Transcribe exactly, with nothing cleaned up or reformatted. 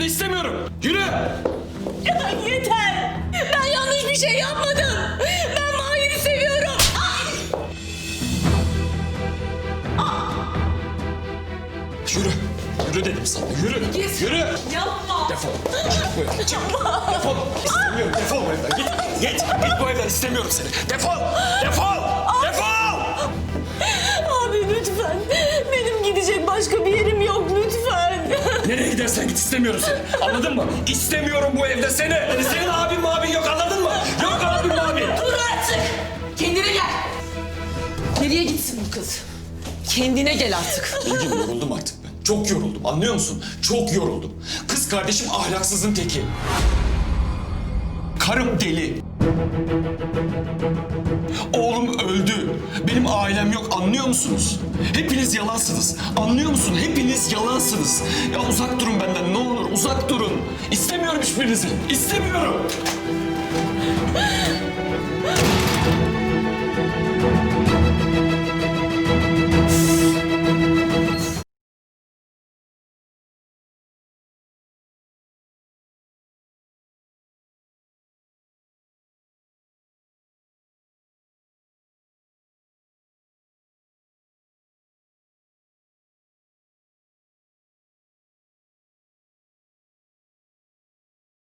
evimde istemiyorum. Yürü. Ya yeter. Ben yanlış bir şey yapmadım. Ben Mahir'i seviyorum. Ay! Yürü. Yürü dedim sana. Yürü. Git. Yürü. Yapma. Defol. Çık bu evden. Çık. Defol. İstemiyorum. Defol bu evden. Git. Git. Git bu evden. İstemiyorum seni. Defol. Defol. Defol. Abi lütfen. Benim gidecek başka bir yerim yok lütfen. Nereye gidersen git, istemiyorum seni. Anladın mı? İstemiyorum bu evde seni. Senin abin mabin yok, anladın mı? Yok abin mabin. Dur artık. Kendine gel. Nereye gitsin bu kız? Kendine gel artık. Bilgin, yoruldum artık ben. Çok yoruldum, anlıyor musun? Çok yoruldum. Kız kardeşim ahlaksızın teki. Karım deli. Oğlum öldü. Benim ailem yok, anlıyor musunuz? Hepiniz yalansınız. Anlıyor musun? Hepiniz yalansınız. Ya uzak durun benden, ne olur uzak durun. İstemiyorum hiçbirinizi. İstemiyorum.